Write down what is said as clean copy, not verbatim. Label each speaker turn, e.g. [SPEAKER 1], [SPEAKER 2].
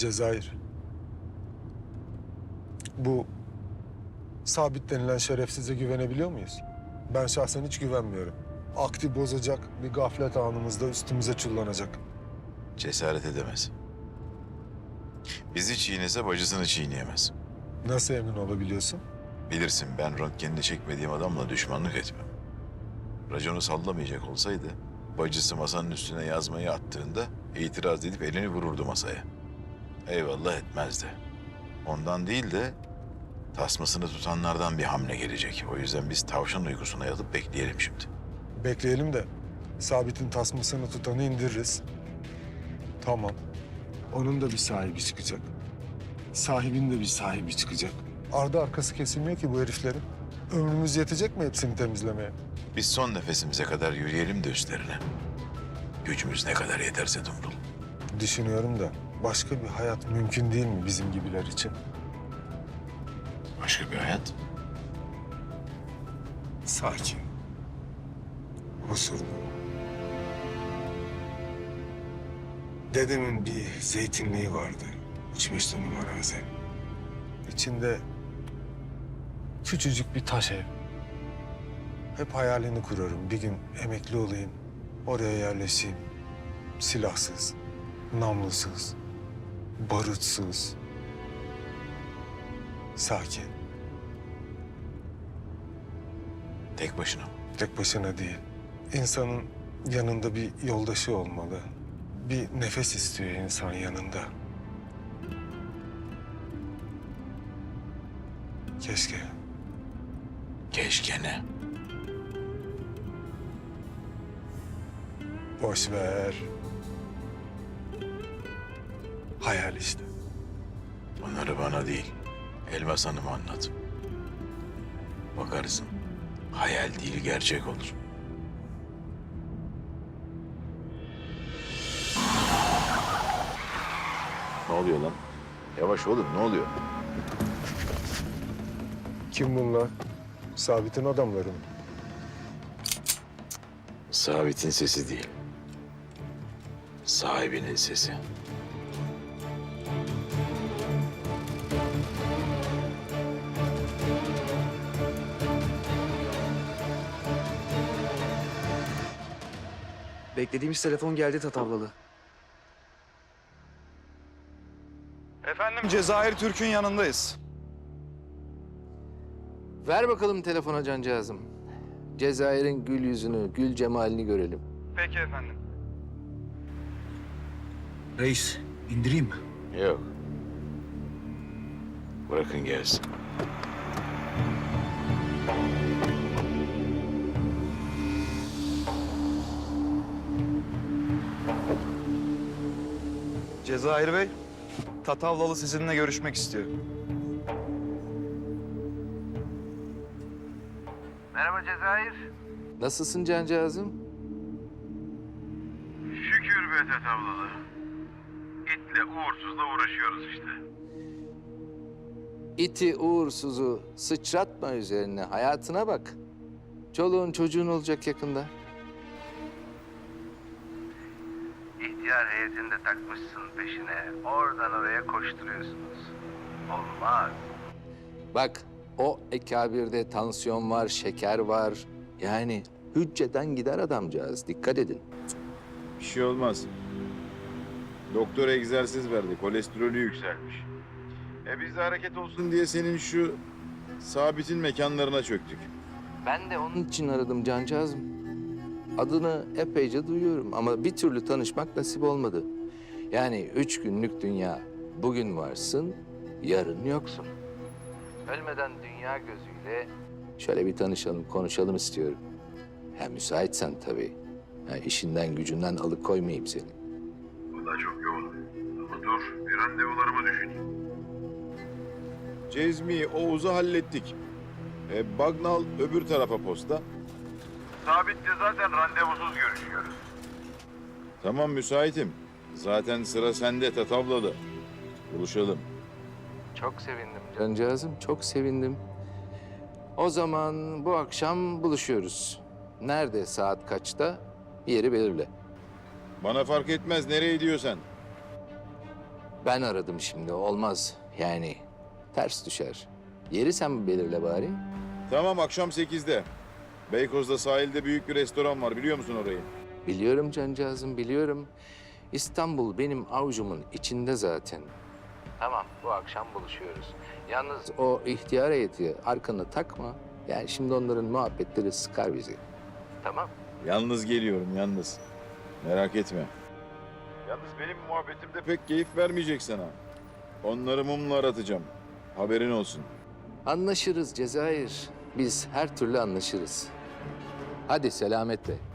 [SPEAKER 1] Cezayir. Bu Sabit denilen şerefsize güvenebiliyor muyuz? Ben şahsen hiç güvenmiyorum. Aklı bozacak, bir gaflet anımızda üstümüze çullanacak.
[SPEAKER 2] Cesaret edemez. Bizi çiğnese bacısını çiğneyemez.
[SPEAKER 1] Nasıl emin olabiliyorsun?
[SPEAKER 2] Bilirsin ben röntgenini çekmediğim adamla düşmanlık etmem. Raconu sallamayacak olsaydı bacısı masanın üstüne yazmayı attığında itiraz edip elini vururdu masaya. Eyvallah etmezdi. Ondan değil de tasmasını tutanlardan bir hamle gelecek. O yüzden biz tavşan uykusuna yatıp bekleyelim şimdi.
[SPEAKER 1] Bekleyelim de Sabit'in tasmasını tutanı indiririz. Tamam. Onun da bir sahibi çıkacak. Sahibin de bir sahibi çıkacak. Ardı arkası kesilmiyor ki bu heriflerin. Ömrümüz yetecek mi hepsini temizlemeye?
[SPEAKER 2] Biz son nefesimize kadar yürüyelim de üstlerine. Gücümüz ne kadar yeterse Dumrul.
[SPEAKER 1] Düşünüyorum da başka bir hayat mümkün değil mi bizim gibiler için?
[SPEAKER 2] Başka bir hayat.
[SPEAKER 1] Sakin. Huzurlu. Dedemin bir zeytinliği vardı. 3-5 dönüm arazi. İçinde küçücük bir taş ev. Hep hayalini kurarım. Bir gün emekli olayım, oraya yerleşeyim. Silahsız, namlusuz, barutsuz. Sakin.
[SPEAKER 2] Tek başına.
[SPEAKER 1] Tek başına değil. İnsanın yanında bir yoldaşı olmalı. Bir nefes istiyor insan yanında. Keşke.
[SPEAKER 2] Keşke ne?
[SPEAKER 1] Boş ver. Hayal işte.
[SPEAKER 2] Bunları bana değil, Elmas Hanım'a anlat. Bakarsın, hayal değil gerçek olur. Ne oluyor lan? Yavaş oğlum, ne oluyor?
[SPEAKER 1] Kim bunlar? Sabit'in adamları mı?
[SPEAKER 2] Sabit'in sesi değil, sahibinin sesi.
[SPEAKER 3] Beklediğimiz telefon geldi Tatavlalı.
[SPEAKER 4] Efendim Cezayir Türk'ün yanındayız.
[SPEAKER 5] Ver bakalım telefona cancağızım. Cezayir'in gül yüzünü, gül cemalini görelim.
[SPEAKER 4] Peki efendim.
[SPEAKER 3] Reis, indireyim mi?
[SPEAKER 2] Yok. Bırakın gelsin.
[SPEAKER 4] Cezayir Bey, Tatavlalı sizinle görüşmek istiyor.
[SPEAKER 6] Merhaba Cezayir.
[SPEAKER 5] Nasılsın cancağızım?
[SPEAKER 6] Şükür be Tatavlalı. İtle uğursuzla uğraşıyoruz işte.
[SPEAKER 5] İti uğursuzu sıçratma üzerine, hayatına bak. Çoluğun çocuğun olacak yakında.
[SPEAKER 6] İhtiyar heyetini de takmışsın peşine. Oradan oraya koşturuyorsunuz. Olmaz.
[SPEAKER 5] Bak, o ekabirde tansiyon var, şeker var. Yani hücceden gider adamcağız, dikkat edin.
[SPEAKER 2] Bir şey olmaz. Doktor egzersiz verdi, kolesterolü yükselmiş. Biz de hareket olsun diye senin şu Sabit'in mekanlarına çöktük.
[SPEAKER 5] Ben de onun için aradım cancağızım. Adını epeyce duyuyorum ama bir türlü tanışmak nasip olmadı. Yani 3 günlük dünya. Bugün varsın, yarın yoksun. Ölmeden dünya gözüyle şöyle bir tanışalım, konuşalım istiyorum. Ha, müsaitsen tabii. Ha, işinden gücünden alıkoymayayım seni.
[SPEAKER 6] Bu da çok yoğun. Ama dur bir randevularımı düşüneyim.
[SPEAKER 2] Cezmi, Oğuz'u hallettik. Bagnal öbür tarafa posta.
[SPEAKER 6] Sabit'le zaten randevusuz görüşüyoruz.
[SPEAKER 2] Tamam müsaitim. Zaten sıra sende Tatavlalı. Buluşalım.
[SPEAKER 5] Çok sevindim cancağızım, çok sevindim. O zaman bu akşam buluşuyoruz. Nerede, saat kaçta? Yeri belirle.
[SPEAKER 2] Bana fark etmez nereye gidiyorsan.
[SPEAKER 5] Ben aradım şimdi, olmaz. Yani ters düşer. Yeri sen belirle bari.
[SPEAKER 2] Tamam, akşam 8'de. Beykoz'da sahilde büyük bir restoran var, biliyor musun orayı?
[SPEAKER 5] Biliyorum cancağızım, biliyorum. İstanbul benim avucumun içinde zaten. Tamam, bu akşam buluşuyoruz. Yalnız o ihtiyar heyeti arkana takma. Yani şimdi onların muhabbetleri sıkar bizi. Tamam.
[SPEAKER 2] Yalnız geliyorum, yalnız. Merak etme. Yalnız benim muhabbetim de pek keyif vermeyecek sana. Onları mumla aratacağım. Haberin olsun.
[SPEAKER 5] Anlaşırız Cezayir. Biz her türlü anlaşırız. Hadi selametle.